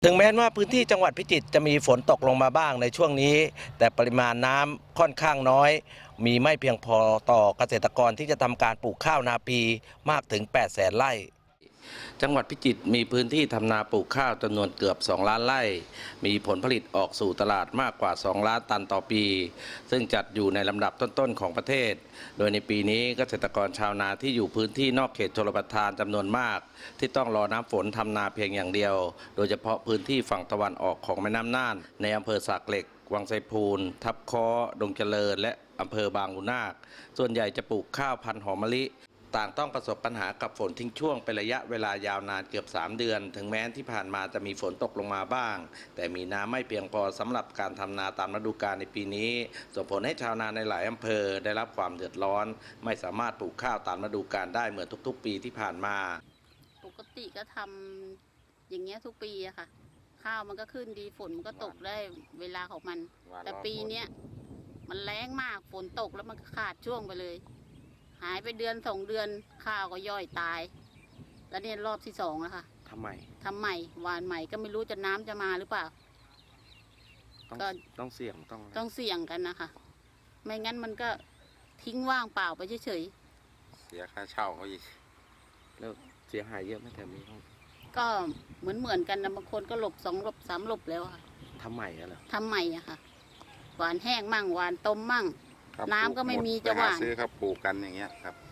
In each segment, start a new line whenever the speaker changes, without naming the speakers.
ถึงแม้ว่าพื้นที่จังหวัดพิจิตรจะมีฝนตกลงมาบ้างในช่วงนี้แต่ปริมาณน้ำค่อนข้างน้อยมีไม่เพียงพอต่อเกษตรกรที่จะทำการปลูกข้าวนาปีมากถึง 800,000 ไร่จังหวัดพิจิตรมีพื้นที่ทำนาปลูกข้าวจำนวนเกือบ 2 ล้านไร่มีผลผลิตออกสู่ตลาดมากกว่า 2 ล้านตันต่อปีซึ่งจัดอยู่ในลำดับต้นๆของประเทศโดยในปีนี้เกษตรกรชาวนาที่อยู่พื้นที่นอกเขตชลประทานจำนวนมากที่ต้องรอน้ำฝนทำนาเพียงอย่างเดียวโดยเฉพาะพื้นที่ฝั่งตะวันออกของแม่น้ำน่านในอำเภอสากเหล็กวังไซพูนทับค้อดงเจริญและอำเภอบางขุนนาคส่วนใหญ่จะปลูกข้าวพันธุ์หอมมะลิต่างต้องประสบปัญหากับฝนทิ้งช่วงเป็นระยะเวลายาวนานเกือบ3 เดือนถึงแม้ที่ผ่านมาจะมีฝนตกลงมาบ้างแต่มีน้ำไม่เพียงพอสำหรับการทำนาตามฤดูกาลในปีนี้ส่งผลให้ชาวนาในหลายอำเภอได้รับความเดือดร้อนไม่สามารถปลูกข้าวตามฤดูกาลได้เหมือนทุกๆปีที่ผ่านมา
ปกติก็ทำอย่างเงี้ยทุกปีอะค่ะข้าวมันก็ขึ้นดีฝนมันก็ตกได้เวลาของมันแต่ปีเนี้ยมันแรงมากฝนตกแล้วมันก็ขาดช่วงไปเลยหายไป1 เดือน 2 เดือนข้าวก็ย่อยตายแล้วเนี่ยรอบที่2แล้วค่ะ
ทำไม
หวานใหม่ก็ไม่รู้จะน้ำจะมาหรือเปล่า
ก็ต้องเสี่ยง
ต้องเสี่ยงกันนะคะไม่งั้นมันก็ทิ้งว่างเปล่าไปเฉย
เสียค่าเช่าเขาอีก
แล้วเสียหายเยอะไหมแต่มี
ก็เหมือนกันนะบางคนก็หลบ2 หลบ 3 หลบแล้วค่ะ
ทำใหม่เหรอ
ทำใหม่อะค่ะหวานแห้งมั่งหวานต้มมั่งน้ำก็ไม่มีจะหวาน
ซื้อครับปลูกกันอย่างเงี้ยครับ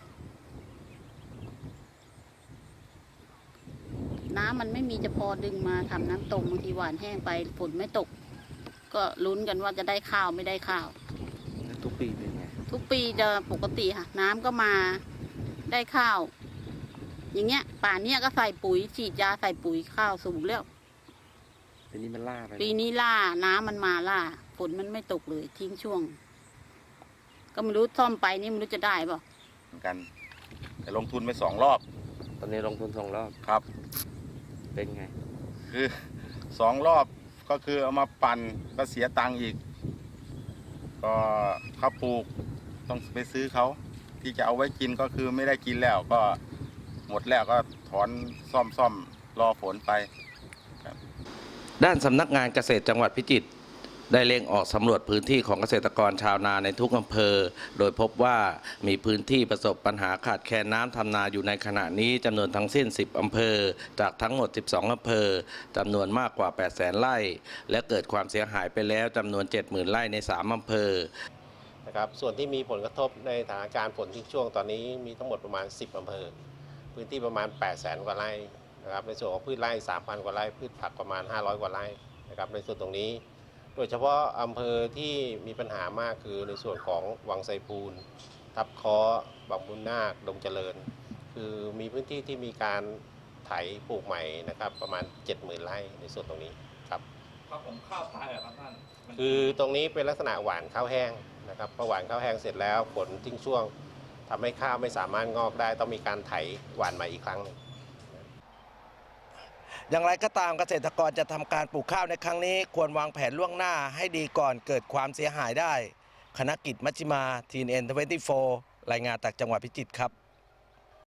น้ำมันไม่มีจะพอดึงมาทำน้ำต้มบางทีหวานแห้งไปฝนไม่ตกก็ลุ้นกันว่าจะได้ข้าวไม่ได้ข้าว
ทุกปีเป็นไง
ทุกปีจะปกติค่ะน้ำก็มาได้ข้าวอย่างเงี้ยป่านเนี้ยก็ใส่ปุ๋ยฉีดยาใส่ปุ๋ยข้าวสูงแล้ว
ปีนี้มันล่าไป
ปีนี้ล่าน้ำมันมาล่าฝนมันไม่ตกเลยทิ้งช่วงก็ไม่รู้ซ่อมไปนี่ไม่รู้จะได้ป่ะ
เหมือนกันแต่ลงทุนไป2 รอบ
ตอนนี้ลงทุน2 รอบ
ครับ
เป็นไง
คือ2 รอบก็คือเอามาปั่นก็เสียตังค์อีกก็เขาปลูกต้องไปซื้อเขาที่จะเอาไว้กินก็คือไม่ได้กินแล้วก็หมดแล้วก็ถอนซ่อมรอฝนไป
ด้านสำนักงานเกษตรจังหวัดพิจิตรได้เร่งออกสำรวจพื้นที่ของเกษตรกรชาวนาในทุกอำเภอโดยพบว่ามีพื้นที่ประสบปัญหาขาดแคลนน้ำทำนาอยู่ในขณะนี้จำนวนทั้งสิ้น10 อำเภอจากทั้งหมด12 อำเภอจำนวนมากกว่า 800,000 ไร่และเกิดความเสียหายไปแล้วจำนวน 70,000 ไร่ใน3 อำเภอ
นะครับส่วนที่มีผลกระทบในสถานการณ์ฝนทิ้งช่วงตอนนี้มีทั้งหมดประมาณ10 อำเภอพื้นที่ประมาณ 800,000 กว่าไร่นะครับในส่วนของพืชไร่ 3,000 กว่าไร่พืชผักประมาณ500 กว่าไร่นะครับในส่วนตรงนี้โดยเฉพาะอำเภอที่มีปัญหามากคือในส่วนของวังไซพูนทับค้อบางบุญนาคดงเจริญคือมีพื้นที่ที่มีการไถปลูกใหม่นะครับประมาณ 70,000 ไร่ในส่วนตรงนี้ครับ
ผมข้าวตายเหรอครับท่าน
คือตรงนี้เป็นลักษณะหว่านข้าวแห้งนะครับพอหว่านข้าวแห้งเสร็จแล้วฝนทิ้งช่วงทำให้ข้าวไม่สามารถงอกได้ต้องมีการไถหว่านใหม่อีกครั้งนึง
อย่างไรก็ตามเกษตรกรจะทำการปลูกข้าวในครั้งนี้ควรวางแผนล่วงหน้าให้ดีก่อนเกิดความเสียหายได้คณกิจมัชฌิมา TNN24 รายงานจากจังหวัดพิจิตรครับ